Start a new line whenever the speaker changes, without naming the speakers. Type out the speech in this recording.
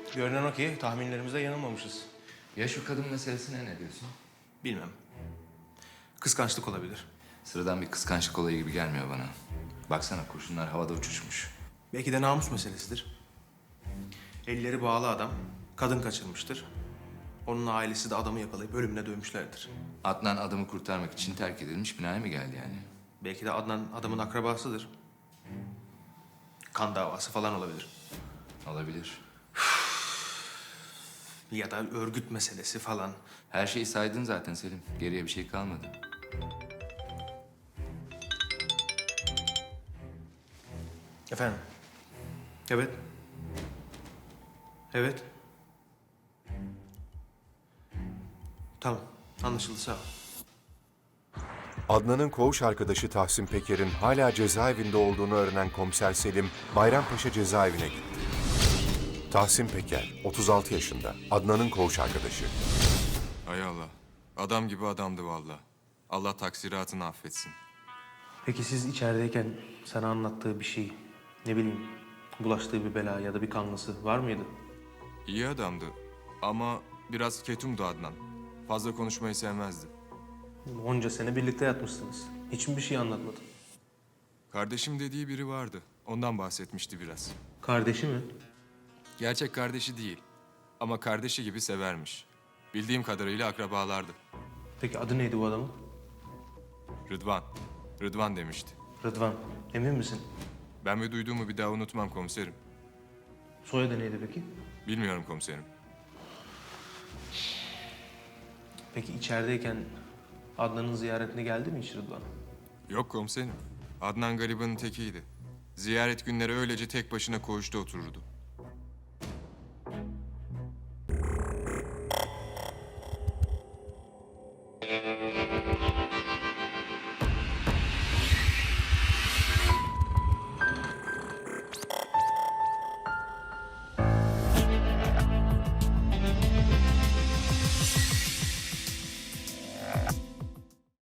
Görünen o ki tahminlerimizde yanılmamışız.
Ya şu kadın meselesine ne diyorsun?
Bilmem. Kıskançlık olabilir.
Sıradan bir kıskançlık olayı gibi gelmiyor bana. Baksana kurşunlar havada uçuşmuş.
Belki de namus meselesidir. Elleri bağlı adam kadın kaçırmıştır. Onun ailesi de adamı yakalayıp ölümüne dövmüşlerdir.
Adnan adamı kurtarmak için terk edilmiş binaya mı geldi yani?
Belki de Adnan adamın akrabasıdır. Kan davası falan olabilir.
Olabilir.
Ya da örgüt meselesi falan.
Her şeyi saydın zaten Selim. Geriye bir şey kalmadı.
Efendim? Evet. Evet. Tamam. Anlaşıldı, sağ ol.
Adnan'ın koğuş arkadaşı Tahsin Peker'in hala cezaevinde olduğunu öğrenen komiser Selim, Bayrampaşa cezaevine gitti. Tahsin Peker, 36 yaşında, Adnan'ın koğuş arkadaşı.
Hay Allah. Adam gibi adamdı vallahi. Allah taksiratını affetsin.
Peki siz içerideyken sana anlattığı bir şey, ne bileyim, bulaştığı bir bela ya da bir kanlısı var mıydı?
İyi adamdı ama biraz ketumdu Adnan. Fazla konuşmayı sevmezdi.
Onca sene birlikte yatmışsınız. Hiç mi bir şey anlatmadı?
Kardeşim dediği biri vardı. Ondan bahsetmişti biraz.
Kardeşi mi?
Gerçek kardeşi değil ama kardeşi gibi severmiş. Bildiğim kadarıyla akrabalardı.
Peki adı neydi bu adamın?
Rıdvan. Rıdvan demişti.
Rıdvan. Emin misin?
Ben ve duyduğumu bir daha unutmam komiserim.
Soyadı neydi peki?
Bilmiyorum komiserim.
Peki içerideyken Adnan'ın ziyaretine geldi mi hiç Rıdvan?
Yok komiserim. Adnan garibanın tekiydi. Ziyaret günleri öylece tek başına koğuşta otururdu.